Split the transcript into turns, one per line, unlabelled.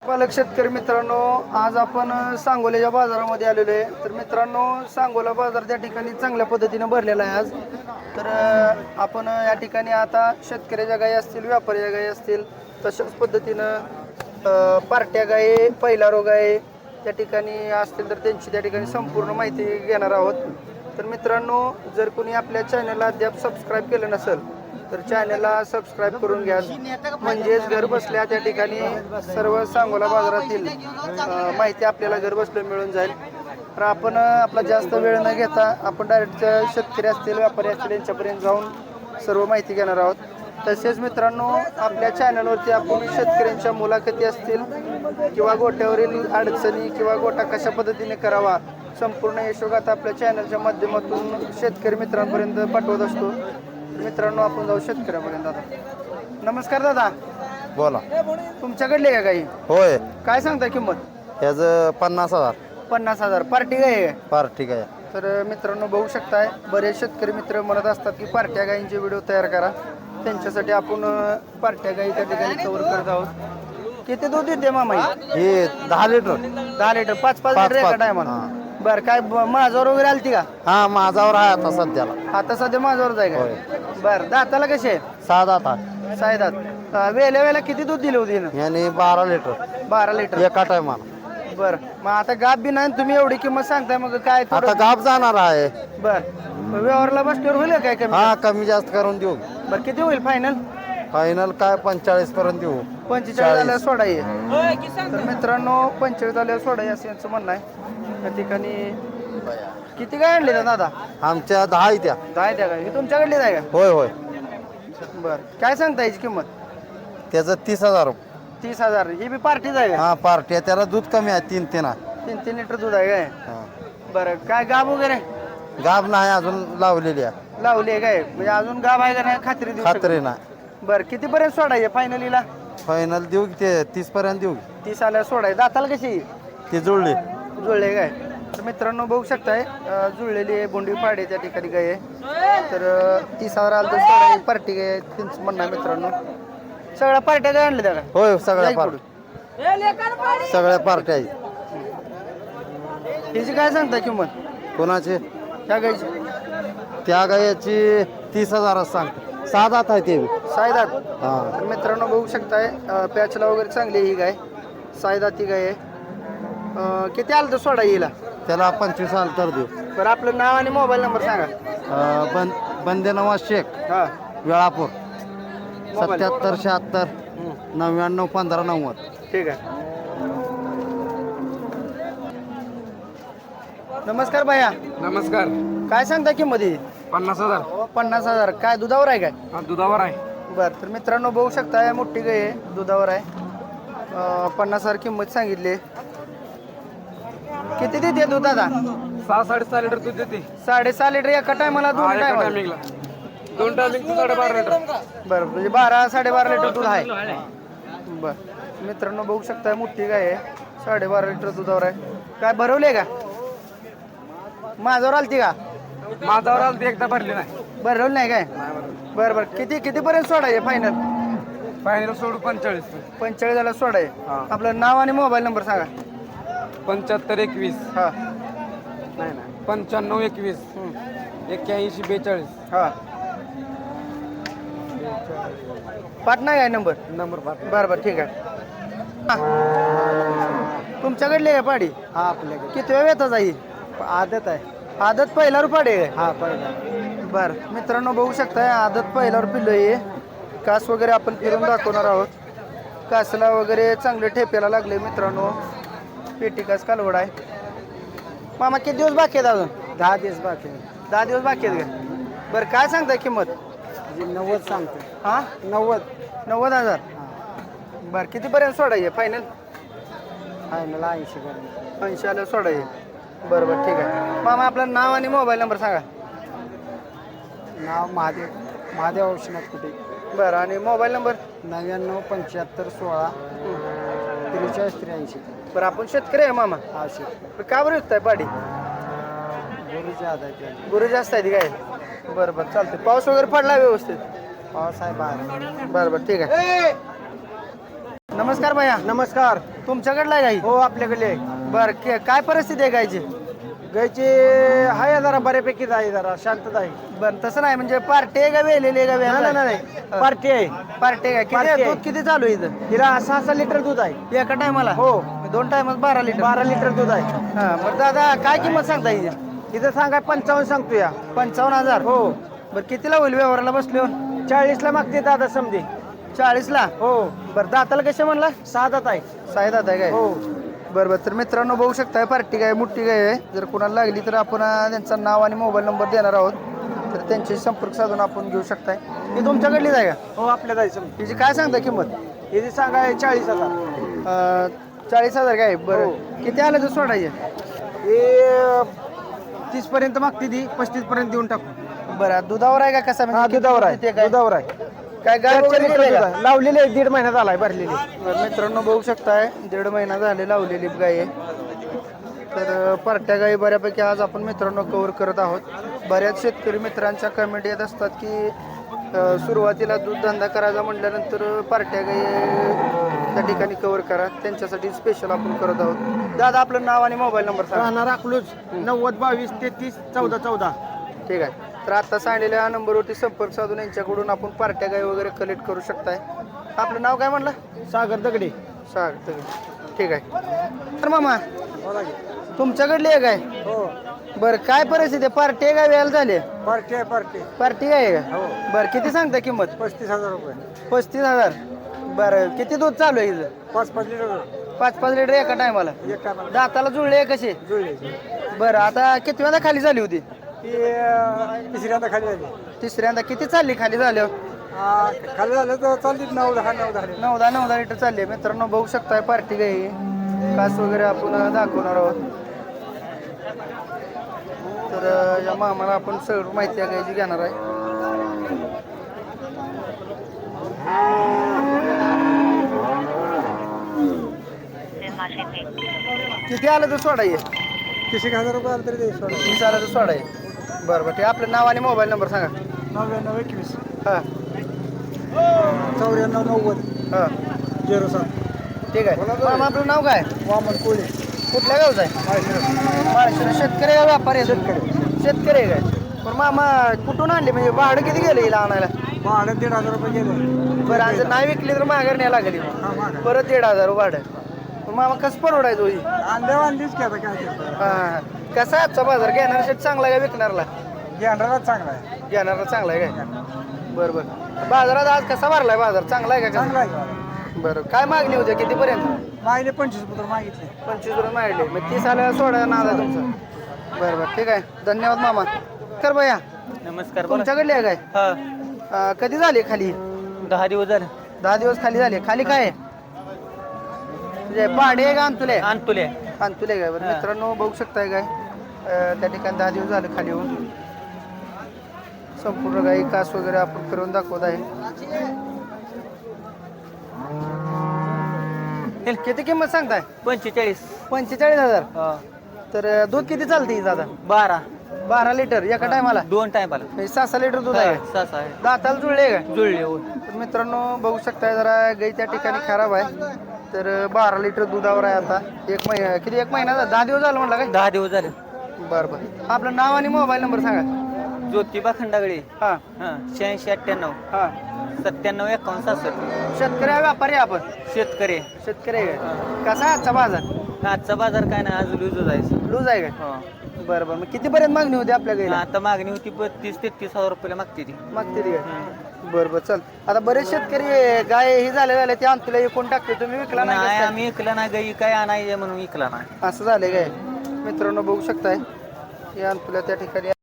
पालक शेतकरी मित्रांनो, आज आपण सांगोल्याच्या बाजारामध्ये आलेलो आहे. तर मित्रांनो, सांगोला बाजार त्या ठिकाणी चांगल्या पद्धतीने भरलेला आहे आज. तर आपण या ठिकाणी आता शेतकऱ्याच्या गायी असतील, व्यापाऱ्याच्या गायी असतील, तशाच पद्धतीनं पार्ट्या गायी, पहिला रोग आहे त्या ठिकाणी असतील तर त्यांची त्या ठिकाणी संपूर्ण माहिती घेणार आहोत. तर मित्रांनो, जर कोणी आपल्या चॅनलला अद्याप सबस्क्राईब केलं नसेल तर चॅनलला सबस्क्राईब करून घ्या. म्हणजेच घर बसल्या त्या ठिकाणी सर्व सांगोला बाजारातील माहिती आपल्याला घर बसल्या मिळून जाईल. तर आपण आपला जास्त वेळ न घेता आपण डायरेक्ट शेतकरी असतील, व्यापारी असतील यांच्यापर्यंत जाऊन सर्व माहिती घेणार आहोत. तसेच मित्रांनो, आपल्या चॅनलवरती आपण शेतकऱ्यांच्या मुलाखती असतील किंवा गोट्यावरील अडचणी किंवा गोटा कशा पद्धतीने करावा संपूर्ण यशोगाथा आपल्या चॅनलच्या माध्यमातून शेतकरी मित्रांपर्यंत पाठवत असतो. मित्रांनो, आपण जाऊ शेतकऱ्यापर्यंत. दादा नमस्कार. दादा
बोला.
तुमच्याकडले का काही?
होय.
काय सांगता किंमत?
त्याचं 50,000.
50,000 पार्टी गाय?
पार्टी काय?
तर मित्रांनो, बघू शकताय बरेच शेतकरी मित्र म्हणत असतात की पार्ट्या गायींचे व्हिडिओ तयार करा. त्यांच्यासाठी आपण पार्ट्या गायी त्या ठिकाणी कव्हर करत आहोत. किती दूध देते मामा?
हे 10 लिटर.
10 लिटर, 5-5 लिटर एका टायमाला. बरं, काय माझ्यावर वगैरे आलती का?
हा, माझावर आहे आता सध्याला.
आता सध्या माझ्यावर आहे का? बरं, दाताला कसे आहे?
6 दात.
सायदात. वेळेला किती दूध दिले होते?
याने 12 लिटर.
12 लिटर
एका टायमाला.
बरं, मग आता गाप बी नाही तुम्ही एवढी किंमत सांगताय, मग काय
आता गाप जाणार आहे.
बरं, व्यवहारला बसल्यावर होईल काय कमी?
हा, कमी जास्त करून देऊ.
बरं, किती होईल फायनल?
फायनल काय 45 पर्यंत देऊ.
45 झाल्यावर सोडा ये. तर मित्रांनो, 45 झाल्यावर सोडा ये असं यांचं म्हणणं आहे. त्या ठिकाणी किती काय आणले दादा?
आमच्या 10 आहे त्या.
10 द्या का? ही तुमच्याकडली आहे का?
होय होय.
बरं, काय सांगता याची किंमत?
त्याचं 30,000.
30,000. ही बी पार्टीच आहे का?
हा, पार्टी आहे. त्याला दूध कमी आहे. 3 आहे.
3 लिटर दूध आहे काय?
हा.
बरं, काय गाब वगैरे
गाब नाही अजून लावलेली आहे.
लावली आहे काय? म्हणजे अजून गाब आहे का नाही खात्री देऊ शकत?
खात्री नाही.
बरं, कितीपर्यंत सोडायचे फायनलीला?
फायनल देऊ की ते 30 पर्यंत देऊ.
30 आल्यावर सोडायचं. दाताला कशी?
ती जुळली.
जुळले काय? तर मित्रांनो, बघू शकताय जुळलेली आहे, बोंडी पाडे त्या ठिकाणी गाय आहे. तर 30,000 आलं तर सोडायची पार्टी गाय आहे त्यांचं म्हणणं आहे. मित्रांनो, सगळ्या पार्ट्या काय आणल्या त्या?
होय, सगळ्या पार्टी. सगळ्या पार्ट्या आहेत.
त्याची काय सांगता किंमत?
कोणाचे?
त्या गायची
त्या गायाची 30,000 सांगतो. 6 दात आहे ते.
सायदात.
हा.
तर मित्रांनो, बघू शकताय पॅचला वगैरे चांगली ही गाय, सायदात ही गाय आहे. किती आलं तर सोडा येईल?
त्याला 25 आलं तर देऊ.
बरं, आपलं नाव आणि मोबाईल नंबर सांगा.
बंदे नवाज शेख,
हां,
वेळापूर.
मोबाईल.
77 76 99 15 90.
ठीक आहे. नमस्कार भैया.
नमस्कार.
काय सांगता किंमत ही?
50,000.
50,000. काय दुधावर आहे काय?
हा, दुधावर आहे.
बरं, तर मित्रांनो, बघू शकता मोठी गाय आहे, दुधावर आहे. 50,000 किंमत सांगितली. किती देते दूध दादा?
6-6.5 लिटर दूध देते.
6.5 लिटर एका टायमाला?
हा,
दोन
एका
टायमाला?
टायमिंगला. 2 टायमिंग 12.5 लिटर.
बरं, म्हणजे 12-12.5 लिटर दूध आहे. बरं, मित्रांनो, बघू शकता मोठी गाय आहे, 12.5 लिटर दुधावर आहे. काय भरवले का? माझ्यावर आलती का?
माझावर आलं ते एकदा भरले नाही.
भरवलं नाही काय? बरं बरं, कितीपर्यंत सोडायचे फायनल?
फायनल सोडू 45.
45 झाला सोडाय.
हा.
आपलं नाव आणि मोबाईल नंबर सांगा.
75 21.
हां
नाही नाही 95 21 81 42.
हां, पाठ नाही काय नंबर?
नंबर 5.
बरं बरं, ठीक आहे. तुमच्याकडली आहे पाडी?
हा, आपल्याकडे
किती वेळ येतात आई?
आदत आहे.
आदत पहिल्यावर पाडी आहे?
हा, पहिला.
बरं, मित्रांनो, बघू शकताय आदत पहिल्यावर पिल्लं आहे. कास वगैरे आपण फिरून दाखवणार आहोत. कासला वगैरे चांगले ठेप्याला लागले मित्रांनो. पेटी कास कालवड आहे. मामा, किती दिवस बाकी आहेत अजून?
10 दिवस बाकी.
10 दिवस बाकी आहेत का? बरं, काय सांगताय किंमत?
90 सांगतो.
हां, 90,000. बरं, कितीपर्यंत सोडायचे फायनल?
फायनल 80 पर्यंत.
80 आलं सोडायचे. बरं बरं, ठीक आहे. मामा, आपलं नाव आणि मोबाईल नंबर सांगा.
नाव महादेव औषणात कुठे.
बरं, आणि मोबाईल नंबर?
99 75 16 43 83.
बरं, आपण शेतकरी आहे मामा.
आवश्यक.
का बरं विकताय पाडी?
गुरुच्या आधार.
गुरु जास्त आहे काय? बरं बरं, चालतंय. पाऊस वगैरे पडला व्यवस्थित?
पाऊस आहे बाहेर.
बरं बरं, ठीक आहे. नमस्कार भैया.
नमस्कार.
तुमच्याकडला आहे गाई?
हो आपल्याकडे
बर काय परिस्थिती आहे गायची?
गायची आहे जरा बऱ्यापैकीच आहे, जरा शांतता आहे.
बर तसं नाही म्हणजे पार्टी आहे का वेलेली आहे का
नाही
व्याज?
नाही पार्टी आहे.
पार्टी आहे.
पार्टी
किती
आहे.
दूध किती चालू आहे इथं?
तिला 6 लिटर दूध आहे.
एका टायमाला?
हो
2 टायमात 12 लिटर.
12 लिटर दूध आहे.
हा बरं दादा काय किंमत सांगता हिची?
तिथं सांगाय 55 सांगतो या.
55,000.
हो
बरं कितीला होईल व्यवहाराला बसलो?
40 मागते दादा समजे.
40ला?
हो
बरं दाताला कसे म्हणला?
6 दात आहे.
6 दात आहे काय?
हो
बरं बरं तर मित्रांनो बघू शकताय पार्टी गाय मोठी गाय आहे. जर कोणाला लागली तर आपण त्यांचं नाव आणि मोबाईल नंबर देणार आहोत, तर त्यांचे संपर्क साधून आपण घेऊ शकताय. ही तुमच्याकडलीच आहे का?
हो आपल्या जायचं.
हिची काय सांगता किंमत?
तिथे सांगाय 40,000.
40,000 काय? बरं
हो.
किती आलं तर सोडायचे?
हे 30 पर्यंत मागते ती, 35 पर्यंत देऊन टाकू.
बरं दुधावर आहे का कसा?
हा
म्हणजे
दुधावर
किती
आहे.
दूध देते काय?
दुधावर आहे.
काय गाय वगैरे गेली आहे का?
लावलेली आहे, 1.5 महिन्यात आलाय भरलेली.
बरं, मित्रांनो बघू शकताय 1.5 महिना झाले लावलेली गाय आहे. तर पार्ट्या गायी बऱ्यापैकी आज आपण मित्रांनो कव्हर करत आहोत. बऱ्याच शेतकरी मित्रांच्या कमेंट येत असतात की सुरुवातीला दूध धंदा करायचा म्हटल्यानंतर पार्ट्या गायी त्या ठिकाणी कव्हर करा, त्यांच्यासाठी स्पेशल आपण करत आहोत. दादा आपलं नाव आणि मोबाईल नंबर सांगा.
राहणार अकलूज 90 22 33 14 14.
ठीक आहे. तर आता सांगलेल्या नंबरवरती संपर्क साधून यांच्याकडून आपण पार्ट्या गाय वगैरे कलेक्ट करू शकताय. आपलं नाव काय म्हणलं?
सागर दगडे.
ठीक आहे. तर मामा तुमच्याकडली आहे काय?
हो
बरं काय परिस्थिती आहे? पार्टी आहे का वेळ झाली?
पार्टी आहे पार्टी.
पार्टी आहे का?
हो
बरं किती सांगता किंमत?
35,000 रुपये.
35,000. बरं किती दूध चालू आहे इथं?
5-5 लिटर
5-5 लिटर एका टायमाला?
एक टायमाला
दाताला जुळले कसे?
जुळले.
बरं आता किती वेळा खाली झाली होती?
ती तिसऱ्यांदा खाली झाली.
तिसऱ्यांदा किती चालली खाली झाल्यावर?
खाली झालं तर चालली 9-10
9-10 लिटर चालली आहे. मित्रांनो बघू शकताय पार्टी गाई कास वगैरे आपण दाखवणार आहोत. तर या मामाला आपण सगळं माहिती आहे गायची घेणार आहे. किती आलं तर सोडाय?
30,000 रुपये आलं तरी सोडा.
30 आलं तर सोडाय. बरं बरं. ते आपलं नाव आणि मोबाईल नंबर सांगा.
99 21
हां
94 90
हां
07.
ठीक आहे. मामा आपलं नाव काय?
वामन कोळी.
कुठल्या गावचं आहे? महाराष्ट्र. शेतकरी आहे का व्यापारी आहे? शेतकरी आहे काय? पण मामा कुठून आणले म्हणजे भाडं किती गेलं हिला आणायला?
भाडं 1,500 रुपये गेले.
बरं आणि जर नाही विकली तर माघार न्यायला लागली परत 1,500 भाडं. पण मामा कसं परवडायचं होई?
आणलीच की आता काय
हां कसा आजचा बाजार? घेणारा शेत चांगला आहे का विकणारला?
घेणाराच चांगला आहे.
घेणारा चांगला आहे काय? बरं बरं. बाजारात आज कसा भरलाय बाजार? चांगला आहे का?
चांगला आहे.
बरं काय मागणी होती कितीपर्यंत?
मागले 25 पत्र मागितले.
25 रुपये मागले. मग 30 आल्याला सोडायला नाद आहे तुमचा. बरं बरं ठीक आहे. धन्यवाद मामा. कर भैया
नमस्कार.
तुमच्याकडली आहे काय?
हा
कधी झाली खाली?
10 दिवस झाले.
10 दिवस खाली झाले. खाली काय आहे? म्हणजे पाडे आहे का अंतुले?
आणतुले.
अंतुले काय? बरं मित्रांनो बघू शकताय काय त्या ठिकाणी 10 दिवस झाले खाली होऊन. संपूर्ण गाई कास वगैरे आपण फिरवून दाखवत आहे. किती किंमत सांगताय? 45,000. तर दूध किती चालते दादा? 12 लिटर एका टायमाला?
2 टायमाला.
6 लिटर दूध आहे. दाताला जुळले का?
जुळले.
तर मित्रांनो बघू शकताय जरा गाई त्या ठिकाणी खराब आहे. तर 12 लिटर दुधावर आहे आता. 1 महिना किती? 1 महिना 10 दिवस झालं म्हटलं काय?
10 दिवस झाले.
बरं बरं. आपलं नाव आणि मोबाईल नंबर सांगा.
ज्योतिबा खंडागळे.
हां
86 98
हां
97 51 67.
शेतकरी आहे व्यापारी आहे आपण?
शेतकरी.
शेतकरी आहे का? कसा आहे आजचा बाजार?
आजचा बाजार काय नाही, आज लूज जायचं.
लूज आहे का? बरं बरं. मग कितीपर्यंत मागणी होती आपल्या गाईला?
आता मागणी होती 32-33,000 रुपयाला मागते ती.
मागते ती काय? बरं बरं चल. आता बरेच शेतकरी गाय ही झाले ते अंतुला विकून टाकते. तुम्ही विकला नाही
नाही
कसं काय?
आम्ही विकला नाही, गाई काय आणायचे म्हणून विकला नाही.
असं झालंय काय? मित्रांनो बघू शकताय या अंतुला त्या ठिकाणी